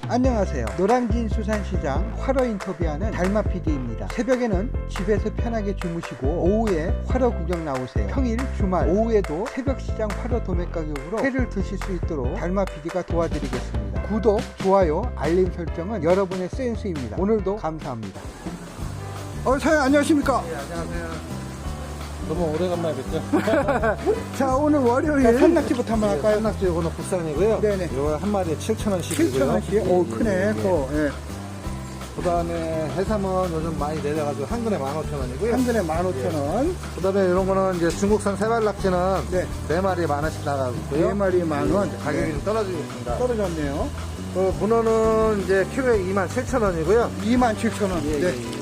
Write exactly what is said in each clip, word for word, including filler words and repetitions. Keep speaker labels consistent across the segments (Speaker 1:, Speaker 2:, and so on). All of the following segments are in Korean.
Speaker 1: 안녕하세요. 노량진 수산시장 활어 인터뷰하는 달마 피디입니다. 새벽에는 집에서 편하게 주무시고 오후에 활어 구경 나오세요. 평일, 주말, 오후에도 새벽시장 활어 도매 가격으로 회를 드실 수 있도록 달마 피디가 도와드리겠습니다. 구독, 좋아요, 알림 설정은 여러분의 센스입니다. 오늘도 감사합니다. 어, 사장님 안녕하십니까?
Speaker 2: 네, 안녕하세요. 너무 오래간만에 뵙죠?
Speaker 1: 자, 오늘 월요일 산낙지부터 한번 할까요?
Speaker 2: 산낙지 요거는 국산이고요.
Speaker 1: 네네.
Speaker 2: 요거 한 마리에 칠천 원씩이고요.
Speaker 1: 칠천 원씩? 오, 크네. 또, 예.
Speaker 2: 그 다음에 해삼은 요즘 많이 내려가지고 한 근에 만 오천 원이고요.
Speaker 1: 한 근에 만 오천 원.
Speaker 2: 그 다음에 이런 거는 이제 중국산 세발낙지는
Speaker 1: 네.
Speaker 2: 네 마리에 만 원씩 나가고 있고요.
Speaker 1: 네 마리 만 원.
Speaker 2: 가격이
Speaker 1: 네.
Speaker 2: 좀 떨어지고 있습니다.
Speaker 1: 떨어졌네요.
Speaker 2: 그 문어는 이제 키로에 이만 칠천 원이고요.
Speaker 1: 이만 칠천 원.
Speaker 2: 예,
Speaker 1: 네.
Speaker 2: 예, 예.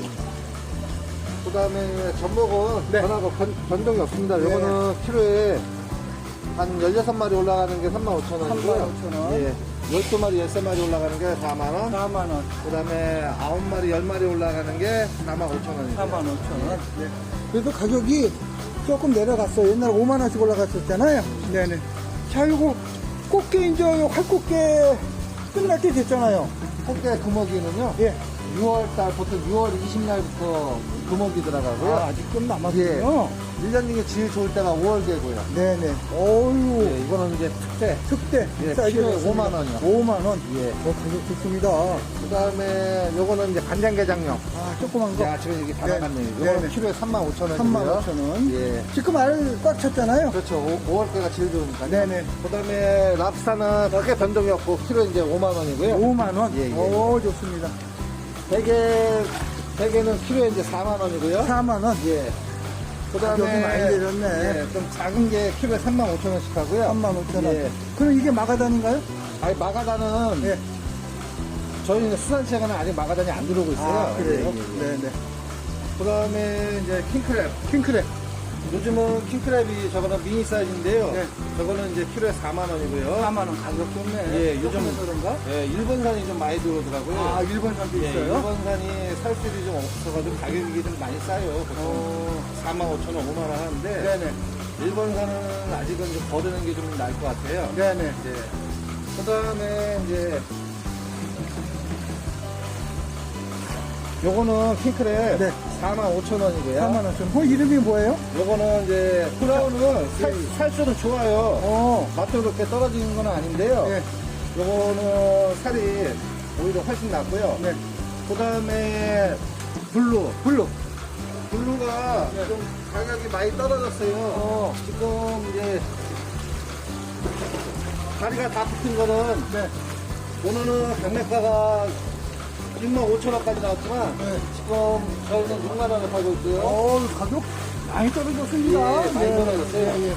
Speaker 2: 그 다음에 전복은
Speaker 1: 네.
Speaker 2: 변하고 변, 변동이 없습니다.
Speaker 1: 네.
Speaker 2: 요거는 키로에 한 열여섯 마리 올라가는 게 삼만 오천 원이고요.
Speaker 1: 삼만 오천 원.
Speaker 2: 예. 열두 마리, 열세 마리 올라가는 게 사만 원.
Speaker 1: 사만 원.
Speaker 2: 그 다음에 아홉 마리, 열 마리 올라가는 게 사만 오천 원이고요.
Speaker 1: 사만 오천 원. 네. 그래도 가격이 조금 내려갔어요. 옛날에 오만 원씩 올라갔었잖아요. 네네. 자, 이거 꽃게 이제 활꽃게 끝날 때 됐잖아요.
Speaker 2: 꽃게 금어기는요.
Speaker 1: 예.
Speaker 2: 유월 달, 보통 유월 이십 날부터 금어기 들어가고요.
Speaker 1: 아, 아직 좀 남았군요.
Speaker 2: 예. 일 년 중에 제일 좋을 때가 오월 개고요.
Speaker 1: 네네. 어유
Speaker 2: 예, 이거는 이제 특대.
Speaker 1: 특대.
Speaker 2: 예,
Speaker 1: 사이즈
Speaker 2: 키로에
Speaker 1: 좋습니다.
Speaker 2: 오만 원이요.
Speaker 1: 오만 원.
Speaker 2: 예.
Speaker 1: 어, 가격 좋습니다.
Speaker 2: 그 다음에 요거는 이제 간장게장용.
Speaker 1: 아, 조그만 거.
Speaker 2: 야, 지금 여기 다
Speaker 1: 네.
Speaker 2: 나갔네요.
Speaker 1: 네네.
Speaker 2: 요거는 키로에 삼만 오천 원이고요.
Speaker 1: 삼만 오천 원.
Speaker 2: 예.
Speaker 1: 지금 알 꽉 찼잖아요.
Speaker 2: 그렇죠. 오월 개가 제일 좋으니까.
Speaker 1: 네네.
Speaker 2: 그 다음에 랍스타는 크게 변동이 없고 키로에 이제 오만 원이고요.
Speaker 1: 오만 원.
Speaker 2: 예, 예.
Speaker 1: 오, 좋습니다.
Speaker 2: 대게, 대게는 키로에 이제 사만 원이고요.
Speaker 1: 사만 원.
Speaker 2: 예. 그
Speaker 1: 가격이
Speaker 2: 다음에
Speaker 1: 많이 내렸네.
Speaker 2: 예, 좀 작은 게 키로에 삼만 오천 원씩 하고요.
Speaker 1: 삼만 오천 원.
Speaker 2: 예.
Speaker 1: 그럼 이게 마가단인가요?
Speaker 2: 아니, 마가단은
Speaker 1: 예.
Speaker 2: 저희는 수산시장에는 아직 마가단이 안 들어오고 있어요.
Speaker 1: 아, 그래요?
Speaker 2: 예, 예, 예.
Speaker 1: 네네.
Speaker 2: 그 다음에 이제 킹크랩.
Speaker 1: 킹크랩.
Speaker 2: 요즘은 킹크랩이 저거는 미니 사이즈인데요.
Speaker 1: 네.
Speaker 2: 저거는 이제 키로에 사만 원이고요.
Speaker 1: 사만 원. 가격 좋네.
Speaker 2: 예, 요즘-
Speaker 1: 조금해서 그런가?
Speaker 2: 예, 일본산이 좀 많이 들어오더라고요.
Speaker 1: 아, 일본산도
Speaker 2: 예,
Speaker 1: 있어요?
Speaker 2: 일본산이 살수율이 좀 없어가지고 가격이 좀 많이 싸요. 보통
Speaker 1: 어,
Speaker 2: 사만 오천 원, 오만 원 하는데
Speaker 1: 네네.
Speaker 2: 일본산은 아직은 좀 거르는 게 좀 나을 것 같아요.
Speaker 1: 네네.
Speaker 2: 이제 그 다음에 이제 요거는 킹크랩
Speaker 1: 네.
Speaker 2: 사만 오천 원이고요.
Speaker 1: 사만 오천 원. 그 이름이 뭐예요?
Speaker 2: 요거는 이제 크라운은 살, 살수는 좋아요.
Speaker 1: 어,
Speaker 2: 맛도 그렇게 떨어지는 건 아닌데요.
Speaker 1: 네.
Speaker 2: 요거는 살이 오히려 훨씬 낫고요.
Speaker 1: 네.
Speaker 2: 그 다음에 블루.
Speaker 1: 블루.
Speaker 2: 블루가
Speaker 1: 네.
Speaker 2: 좀 가격이 많이 떨어졌어요.
Speaker 1: 어.
Speaker 2: 지금 이제 다리가 다 붙은 거는
Speaker 1: 네.
Speaker 2: 오늘은 경매가가 육만 오천 원까지 나왔지만
Speaker 1: 네.
Speaker 2: 지금 저희는 육만 원에 팔고 있고요.
Speaker 1: 어, 가격 많이 떨어졌습니다.
Speaker 2: 예, 많이 떨어졌어요.
Speaker 1: 예, 예.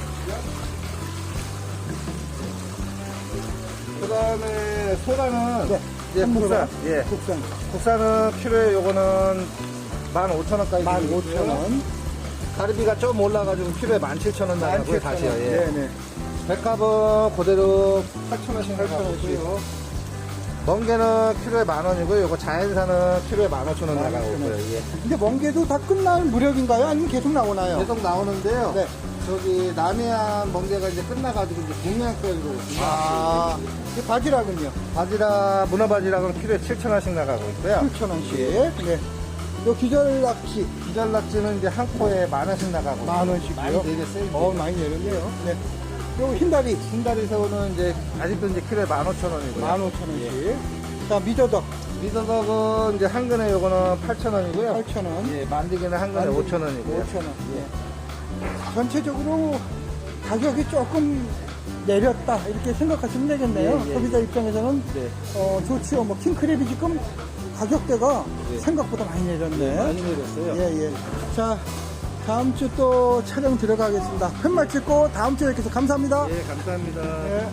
Speaker 2: 그 다음에 소라는
Speaker 1: 네.
Speaker 2: 이제 국산. 예.
Speaker 1: 국산.
Speaker 2: 국산은 키로에 요거는 만 오천 원까지.
Speaker 1: 만 오천 원.
Speaker 2: 가리비가 좀 올라가지고 키로에 만 칠천 원 나가고요. 다시요. 예.
Speaker 1: 네네.
Speaker 2: 백합은 그대로 팔천 원씩
Speaker 1: 팔천
Speaker 2: 나가고
Speaker 1: 원씩.
Speaker 2: 있고요. 멍게는 키로에 만 원이고요. 요거 자연산은 키로에 만 오천 원 나가고
Speaker 1: 만 오천 원.
Speaker 2: 있고요. 예.
Speaker 1: 근데 멍게도 다 끝날 무렵인가요? 아니면 계속 나오나요?
Speaker 2: 계속 나오는데요.
Speaker 1: 네.
Speaker 2: 저기 남해안 멍게가 이제 끝나가지고 이제 동해안까지 오고
Speaker 1: 아, 이 바지락은요?
Speaker 2: 바지락, 문어 바지락은 키로에 칠천 원씩 나가고 있고요.
Speaker 1: 칠천 원씩. 네. 요 기절낚시
Speaker 2: 기절낙지는 이제 한 코에 만 원씩 나가고
Speaker 1: 만 원씩이요?
Speaker 2: 많이 내렸어요. 이제.
Speaker 1: 어, 많이 내렸네요. 네. 요 흰다리
Speaker 2: 흰다리 새우는 이제 아직도 이제 키로에 만 오천 원이고요.
Speaker 1: 만 오천 원씩. 자, 미더덕
Speaker 2: 미더덕은 이제 한 근에 요거는 팔천 원이고요.
Speaker 1: 팔천 원.
Speaker 2: 예, 만들기는 한 근에
Speaker 1: 만들기
Speaker 2: 오천 원이고요.
Speaker 1: 오천 원. 예. 전체적으로 가격이 조금 내렸다 이렇게 생각하시면 되겠네요.
Speaker 2: 예, 예.
Speaker 1: 소비자 입장에서는
Speaker 2: 네.
Speaker 1: 어, 좋지요. 뭐 킹크랩이 지금 가격대가
Speaker 2: 예.
Speaker 1: 생각보다 많이 내렸네.
Speaker 2: 네, 많이 내렸어요.
Speaker 1: 예, 예. 자, 다음 주 또 촬영 들어가겠습니다. 팻말 찍고 다음 주에 뵙겠습니다. 감사합니다.
Speaker 2: 예, 감사합니다.
Speaker 1: 예.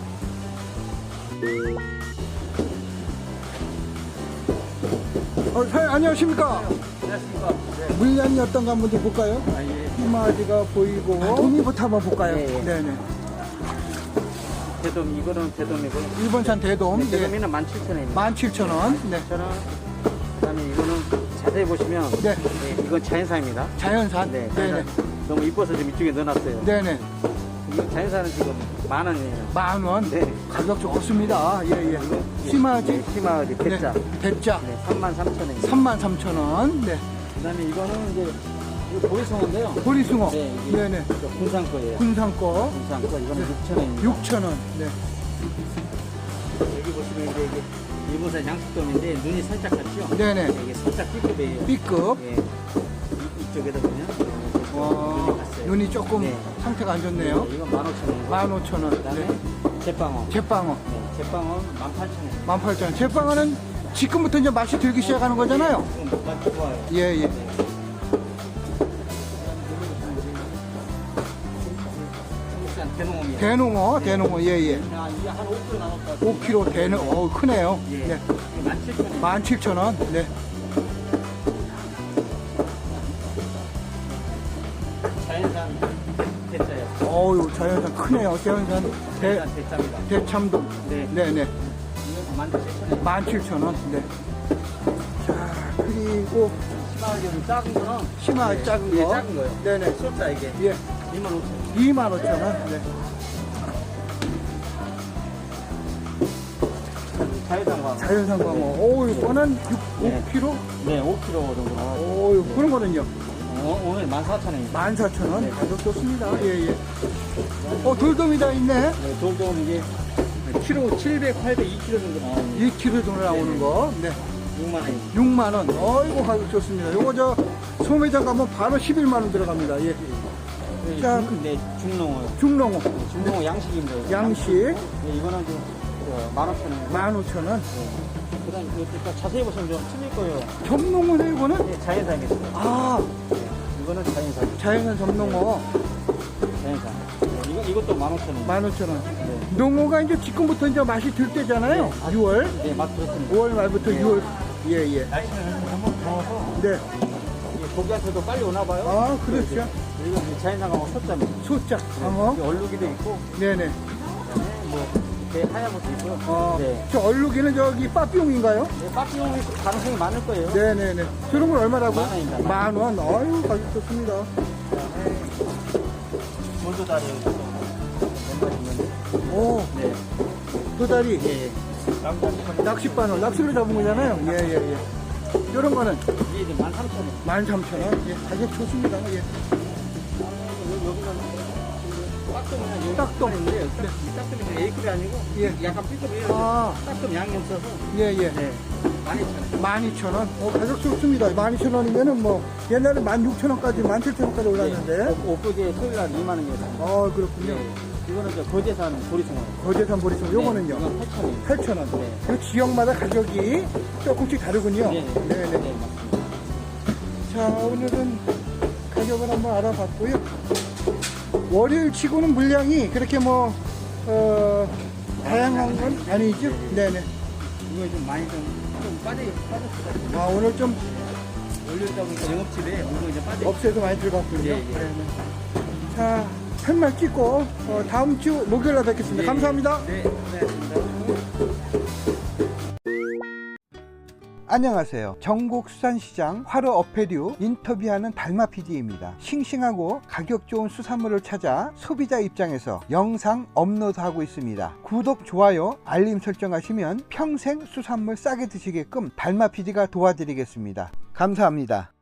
Speaker 1: 어, 사장님 안녕하십니까?
Speaker 3: 안녕하십니까.
Speaker 1: 물량이 어떤가 한번 좀 볼까요?
Speaker 3: 아, 예.
Speaker 1: 희마지가 보이고 도미부터 한번 볼까요?
Speaker 3: 예, 예.
Speaker 1: 네네.
Speaker 3: 대돔, 이거는 대돔이고요.
Speaker 1: 일본산 대돔.
Speaker 3: 네,
Speaker 1: 예.
Speaker 3: 대돔이는 만 칠천 원입니다.
Speaker 1: 만 칠천 원. 네.
Speaker 3: 천 원. 그 다음에 이거는 자세히 보시면,
Speaker 1: 네.
Speaker 3: 네, 이건 자연산입니다.
Speaker 1: 자연산.
Speaker 3: 네,
Speaker 1: 네네.
Speaker 3: 자연산. 너무 이뻐서 좀 이쪽에 넣어놨어요.
Speaker 1: 네네.
Speaker 3: 자연산은 지금 만 원이에요.
Speaker 1: 만 원.
Speaker 3: 네.
Speaker 1: 가격 좋습니다. 예, 예. 심하지?
Speaker 3: 네, 심하지. 대짜.
Speaker 1: 네. 대짜.
Speaker 3: 네, 삼만 삼천 원.
Speaker 1: 삼만 삼천 원. 네.
Speaker 3: 그다음에 이거는 이제 이거 보리송어인데요.
Speaker 1: 보리숭어.
Speaker 3: 네, 이게
Speaker 1: 네네.
Speaker 3: 군산 거예요.
Speaker 1: 군산 거.
Speaker 3: 군산 거 이거는
Speaker 1: 네.
Speaker 3: 육천 원입니다.
Speaker 1: 육천 원. 네.
Speaker 3: 여기 보시면 이제 이게 일본산 양식돔인데 눈이 살짝 같죠?
Speaker 1: 네네.
Speaker 3: 이게 살짝 B급이에요.
Speaker 1: B급.
Speaker 3: 예. 이- 이쪽에다 보면
Speaker 1: 와,
Speaker 3: 눈이 갔어요.
Speaker 1: 눈이 조금
Speaker 3: 네.
Speaker 1: 상태가 안 좋네요.
Speaker 3: 네, 이건 만 오천 원.
Speaker 1: 만 오천 원.
Speaker 3: 그다음에
Speaker 1: 네.
Speaker 3: 제빵어.
Speaker 1: 제빵어.
Speaker 3: 네, 제빵어 만 팔천 원.
Speaker 1: 만 팔천 원. 제빵어는 지금부터 이제 맛이 들기 시작하는 거잖아요.
Speaker 3: 지금 맛 좋아요.
Speaker 1: 예, 예.
Speaker 3: 네. 한국산 대농어입니다.
Speaker 1: 대농어, 대농어. 예, 예.
Speaker 3: 야, 이게 한 오 킬로그램 나눴다.
Speaker 1: 오 킬로그램 대농어. 어, 크네요.
Speaker 3: 예.
Speaker 1: 네.
Speaker 3: 만 칠천 원.
Speaker 1: 만 칠천 원. 네.
Speaker 3: 자연산 대짜예요.
Speaker 1: 어유 자연산 크네요. 자연산 대,
Speaker 3: 자연산 대짜입니다.
Speaker 1: 대참돔.
Speaker 3: 네.
Speaker 1: 네네.
Speaker 3: 이건 만 칠천 원.
Speaker 1: 만 칠천 원. 네. 자, 그리고
Speaker 3: 심하게 좀 작은 거는
Speaker 1: 심하
Speaker 3: 네,
Speaker 1: 작은
Speaker 3: 예,
Speaker 1: 거.
Speaker 3: 작은 거요.
Speaker 1: 네네.
Speaker 3: 숫자 이게
Speaker 1: 예.
Speaker 3: 이만 오천 원.
Speaker 1: 이만 오천 원. 네.
Speaker 3: 자연산 광어.
Speaker 1: 자연산 광어. 오, 이거는
Speaker 3: 네.
Speaker 1: 오 킬로그램?
Speaker 3: 네, 오 킬로그램 정도 나와요.
Speaker 1: 오, 그런 거는요.
Speaker 3: 어, 오늘 만 사천 원입니다.
Speaker 1: 만 사천 원.
Speaker 3: 네.
Speaker 1: 가격 좋습니다. 예, 예. 어, 돌돔이 다 있네.
Speaker 3: 네, 돌돔 이게 키로 칠백, 팔백, 이 킬로그램 정도 나옵니다.
Speaker 1: 이 킬로그램 정도 나오는 거. 네.
Speaker 3: 육만 원입니다.
Speaker 1: 육만 원. 어이구, 가격 좋습니다. 요거 저 소매장 가면 바로 십일만 원 들어갑니다. 예.
Speaker 3: 네,
Speaker 1: 자,
Speaker 3: 중, 네, 중농어요.
Speaker 1: 중농어.
Speaker 3: 중농어 양식입니다. 이거.
Speaker 1: 양식.
Speaker 3: 네, 이거는 좀 만 오천 원.
Speaker 1: 만 오천 원.
Speaker 3: 그 다음 이거 자세히 보시면 좀 틀릴 거예요.
Speaker 1: 점농어네, 이거는?
Speaker 3: 네, 자연산입니다.
Speaker 1: 아,
Speaker 3: 네, 이거는 자연산.
Speaker 1: 자연산 점농어.
Speaker 3: 자연산. 네, 이거, 이것도 만 오천 원.
Speaker 1: 만 오천 원.
Speaker 3: 네.
Speaker 1: 농어가 이제 지금부터 이제 맛이 들 때잖아요.
Speaker 3: 네, 아,
Speaker 1: 유월.
Speaker 3: 네, 맛 그렇습니다.
Speaker 1: 오월 말부터
Speaker 3: 네.
Speaker 1: 유월. 예, 예.
Speaker 3: 날씨는 한번 더워서
Speaker 1: 네.
Speaker 3: 이게 고기한테도 빨리 오나 봐요.
Speaker 1: 아, 그렇죠.
Speaker 3: 그리고 이제 자연산하고 소짜입니다.
Speaker 1: 소자, 광어.
Speaker 3: 여기 얼룩이도 있고,
Speaker 1: 네네.
Speaker 3: 그다음에 뭐 이렇게 하얀 것도 있고요.
Speaker 1: 어,
Speaker 3: 네.
Speaker 1: 저 얼룩이는 저기 빠삐용인가요?
Speaker 3: 네, 빠삐용이 가능성이 많을 거예요.
Speaker 1: 네네네. 저런 건 얼마라고?
Speaker 3: 만 원입니다.
Speaker 1: 만 원. 아유, 가격 좋습니다.
Speaker 3: 돌도다리 여기서 몇 마리 있는데.
Speaker 1: 오,
Speaker 3: 네.
Speaker 1: 도다리.
Speaker 3: 예, 예. 낚시
Speaker 1: 낚싯바늘, 낚시로 잡은 거잖아요. 예, 예, 예. 이런 거는
Speaker 3: 이게 이제 만 삼천 원.
Speaker 1: 만 삼천 원. 예, 가격 좋습니다. 예.
Speaker 3: 여기는 딱돔이나
Speaker 1: 딱돔.
Speaker 3: 인데 이 딱돔이 A급이 아니고
Speaker 1: 예.
Speaker 3: 약간 B급이에요.
Speaker 1: 아.
Speaker 3: 딱돔 양념 써서
Speaker 1: 예, 예.
Speaker 3: 네. 만 이천 원.
Speaker 1: 만 이천 원. 어, 가격 좋습니다. 만 이천 원이면은 뭐, 옛날에 만 육천 원까지, 만 칠천 원까지 올랐는데.
Speaker 3: 엊그제 토요일 날 이만 원이었어요.
Speaker 1: 어, 그렇군요.
Speaker 3: 이거는 저 거제산 보리송어.
Speaker 1: 거제산 보리송, 요거는요?
Speaker 3: 이건 팔천 원.
Speaker 1: 팔천 원.
Speaker 3: 네.
Speaker 1: 그 지역마다 가격이 조금씩 다르군요.
Speaker 3: 네, 네.
Speaker 1: 네네.
Speaker 3: 네, 맞습니다.
Speaker 1: 자, 오늘은 가격을 한번 알아봤고요. 월요일 치고는 물량이 그렇게 뭐, 어, 다양한 건 아니죠? 네네.
Speaker 3: 이거 좀 많이 좀, 좀 빠져, 빠졌어요.
Speaker 1: 아, 오늘 좀
Speaker 3: 올렸다 보니까 영업집에 오늘 이제 빠져.
Speaker 1: 업체도 많이 들어갔군요.
Speaker 3: 예, 예.
Speaker 1: 네, 네. 자, 팻말 찍고, 어, 다음 주 목요일 날 뵙겠습니다.
Speaker 3: 예,
Speaker 1: 감사합니다.
Speaker 3: 네, 네, 네.
Speaker 1: 안녕하세요. 전국수산시장 화로 어패류 인터뷰하는 달마 피디입니다. 싱싱하고 가격 좋은 수산물을 찾아 소비자 입장에서 영상 업로드하고 있습니다. 구독, 좋아요, 알림 설정하시면 평생 수산물 싸게 드시게끔 달마 피디가 도와드리겠습니다. 감사합니다.